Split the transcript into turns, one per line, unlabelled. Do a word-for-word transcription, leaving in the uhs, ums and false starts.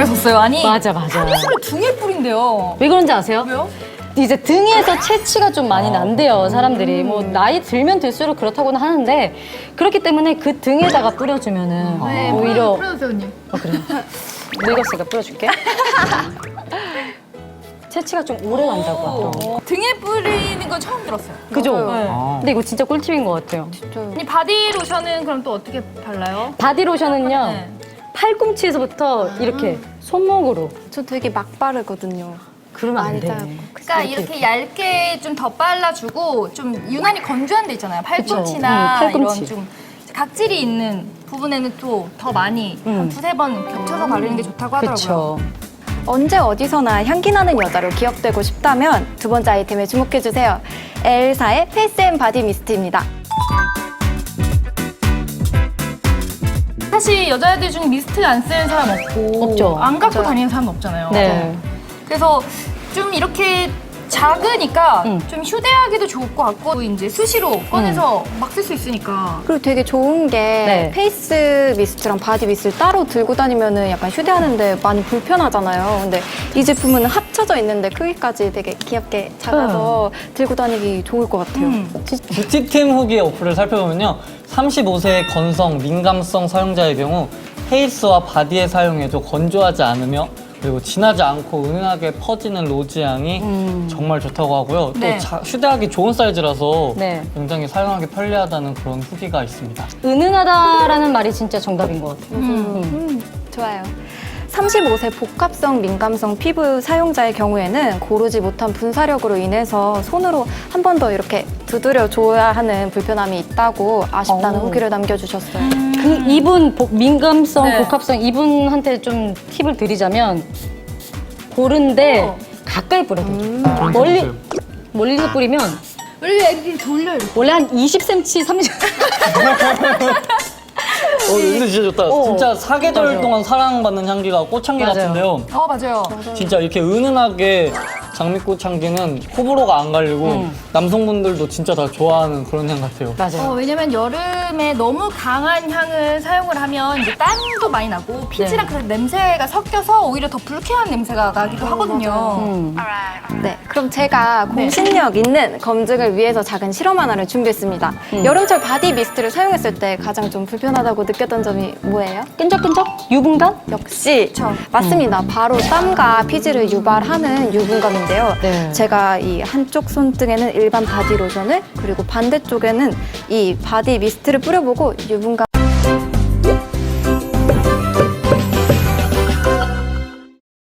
그랬었어요. 아니
맞아, 맞아.
향수를 등에 뿌린대요.
왜 그런지 아세요?
왜요?
이제 등에서 채취가 좀 많이 난대요, 사람들이. 뭐 나이 들면 들수록 그렇다고는 하는데 그렇기 때문에 그 등에다가 뿌려주면은
네,
오히려
뿌려주세요, 언니.
어, 그래. 늙었으니까 뿌려줄게. 채취가 좀 오래 난다고 하더라고.
등에 뿌리는 건 처음 들었어요.
그죠?
네.
아.
근데 이거 진짜 꿀팁인 것 같아요.
언니 바디 로션은 그럼 또 어떻게 발라요?
바디로션은요,
네.
팔꿈치에서부터 이렇게 손목으로.
저 되게 막 바르거든요.
그러면 안
많이
돼.
짜고.
그러니까 이렇게 얇게 좀 더 발라주고 좀 유난히 건조한 데 있잖아요. 팔꿈치나
응, 팔꿈치.
이런 좀 각질이 있는 부분에는 또 더 많이
음.
한 두세 번 겹쳐서 바르는 게 좋다고 하더라고요.
그쵸.
언제 어디서나 향기 나는 여자로 기억되고 싶다면 두 번째 아이템에 주목해주세요. 엘사의 페이스 앤 바디 미스트입니다.
사실 여자애들 중에 미스트 안 쓰는 사람 없고
없죠.
안 갖고
맞아요.
다니는 사람 없잖아요.
네.
그래서 좀 이렇게 작으니까
음.
좀 휴대하기도 좋을 것 같고 이제 수시로 꺼내서 막 쓸 수 있으니까
그리고 되게 좋은 게
네.
페이스 미스트랑 바디 미스트를 따로 들고 다니면은 약간 휴대하는데 많이 불편하잖아요. 근데 이 제품은 합쳐져 있는데 크기까지 되게 귀엽게 작아서 들고 다니기 좋을 것 같아요.
음.
뷰티템 후기 어플을 살펴보면요. 삼십오 세 건성, 민감성 사용자의 경우 페이스와 바디에 사용해도 건조하지 않으며 그리고 진하지 않고 은은하게 퍼지는 로즈향이
음.
정말 좋다고 하고요.
네.
또 자- 휴대하기 좋은 사이즈라서
네.
굉장히 사용하기 편리하다는 그런 후기가 있습니다.
은은하다라는 말이 진짜 정답인 것 같아요.
음.
음, 좋아요. 삼십오 세 복합성 민감성 피부 사용자의 경우에는 고르지 못한 분사력으로 인해서 손으로 한 번 더 이렇게 두드려 줘야 하는 불편함이 있다고 아쉽다는
오.
후기를 남겨주셨어요.
그 이분 복- 민감성,
네.
복합성 이분한테 좀 팁을 드리자면 고른데
어.
가까이 뿌려야 돼요. 멀리 멀리서 뿌리면
원래 애들이 돌려요.
원래 한 이십 센티미터, 삼십
어, 근데 진짜 좋다.
어.
진짜 사계절
맞아요.
동안 사랑받는 향기가 꽃향기
맞아요.
같은데요.
어 맞아요.
진짜 이렇게 은은하게 장미꽃 향기는 호불호가 안 갈리고
음.
남성분들도 진짜 다 좋아하는 그런 향 같아요.
맞아요.
어, 왜냐면 여름에 너무 강한 향을 사용을 하면 이제 땀도 많이 나고 피지랑 그런 냄새가 섞여서 오히려 더 불쾌한 냄새가 나기도 하거든요.
음.
네, 그럼 제가 공신력 있는 검증을 위해서 작은 실험 하나를 준비했습니다. 여름철 바디 미스트를 사용했을 때 가장 좀 불편하다고 느꼈던 점이 뭐예요?
끈적끈적? 유분감?
역시
그쵸.
맞습니다. 바로 땀과 피지를 유발하는 유분감인데요.
네.
제가 이 한쪽 손등에는 일반 바디 로션을 그리고 반대쪽에는 이 바디 미스트를 뿌려보고 유분감